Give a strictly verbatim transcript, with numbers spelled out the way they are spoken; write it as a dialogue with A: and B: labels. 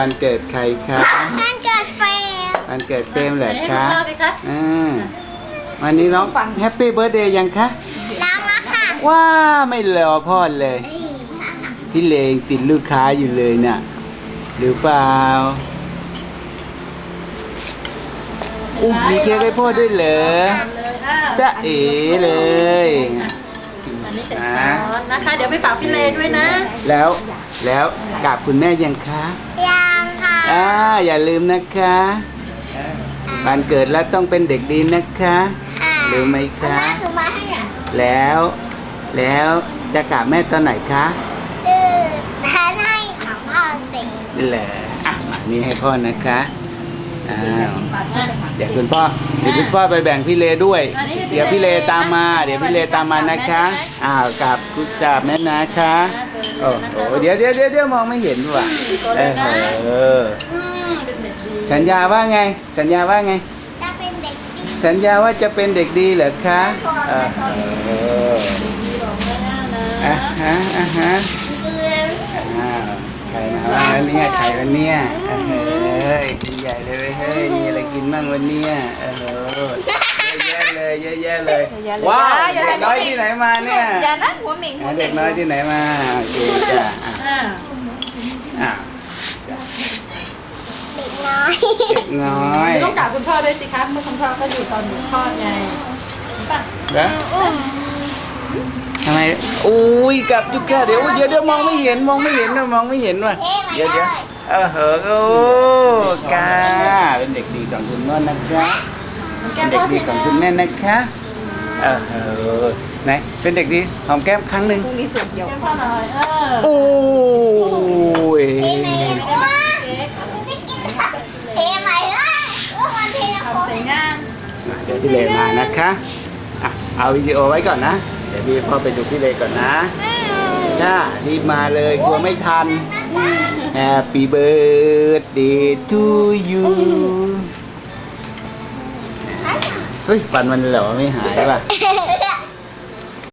A: วันเกิดใครคะ
B: วันเกิดเฟรม
A: วันเกิดเฟรมเหรอคะอ่าวันนี้น้อง
C: ฟัง
A: แฮปปี้เบิร์ธเดย์ยังคะ
B: น้ำมาค่ะ
A: ว้าไม่รอพ่อเลย พี่เลงติดลูกค้าอยู่เลยน่ะหรือเปล่าอุ๊ยมีเค้กให้พ่อด้วยเหรอจ๊ะเอ๋เลย
C: อันนี้เป็นช้อนนะคะ เดี๋ยวไปฝากพี่เลด้วยนะ
A: แล้วแล้วกราบคุณแม่ยังคะ
B: ยังค่ะ
A: อ่าอย่าลืมนะคะวันเกิดแล้วต้องเป็นเด็กดีนะคะรู้ไหมคะ
B: แม่คือมาให้เนี่ย
A: แล้วแล้วจะกราบแม่ตอนไหนคะ
B: คือแทนให้ของพ่อสิ
A: นี่แหละอ่ะมานี่ให้พ่อนะคะอ้าวเดี๋ยวคุณพ่อเดี๋ยวคุณพ่อไปแบ่งพี่เลด้วย เดี๋ยวพี่เลตามมา เดี๋ยวพี่เลตามมานะคะอ้าวกราบคุณกราบแม่นะคะโอ้โหเดี๋ยวเดี๋ยวเดี๋ยวเดี๋ยวมองไม่เห็นว่ะเออเออ
C: อืมเป็นเด็กดี
A: สัญญาว่าไง สัญญาว่าไง
B: จะเป็นเด็กดี
A: สัญญาว่าจะเป็นเด็กดีเหรอคะเออเออ
C: บอกแม่นะ
A: อ่ะฮะอ่ะฮะ
B: คือ
A: อ้าวใครมาบ้างแล้วเนี่ยใครวันเนี้ยเฮ้ยกินใหญ่เลยเว้ยเฮ้ยมีอะไรกินบ้างวันเนี้ยเออเยอะแยะเลยเยอะแยะเลยว้าวเด็กน้อยที่ไหนมาเนี่ย
C: อย่านะหัวหมิงหัวหมิ
A: เด็
C: ง
A: กน้อยที่ไหนมาโอเคจ้ะอ่ะ
C: อ่า
A: อ่ะ
B: เด็กน้อย
A: เด็กน้อย
C: ต้องกราบคุณพ่อด้วยสิคะเมื่อคุณพ่อก็อยู่ตอนหนูคลอดไงป่ะ
A: แล้วทำไมอุ้ยกลับจุกแค่เดี๋ยวเดี๋ยวเดี๋ยวมองไม่เห็นมองไม่เห็นนะมองไม่เห็นว่ะ
B: เท่ไหม
A: เดี๋ยว
B: เล
A: เดี๋ยวย เออเหอะโอ้กาเป็นเด็กดีของคุณแม่นะคะเป็นเด็กดีของคุณแม่นะคะเออเหอะไหนเป็นเด็กดีหอมแก้มครั้งหนึ่ง
C: พรุ่งนี้สุกเดี๋ยวพ่อหน่อยเออ
A: โอ้ย
B: เท่ไหมว้ามันจะกินเท่ไหมล่ะว่ามันเท่นะโค้
C: ทำใส่งาน
A: เดี๋ยวพี่เลมานะคะอ่ะเอาวิดีโอไว้ก่อนนะเดี๋ยวพี่พ่อไปดูพี่เลก่อนนะจ้ารีบมาเลยกลัวไม่ทัน Happy birthday to you เฮ้ยฟันมันเหรอไม่หายป่ะ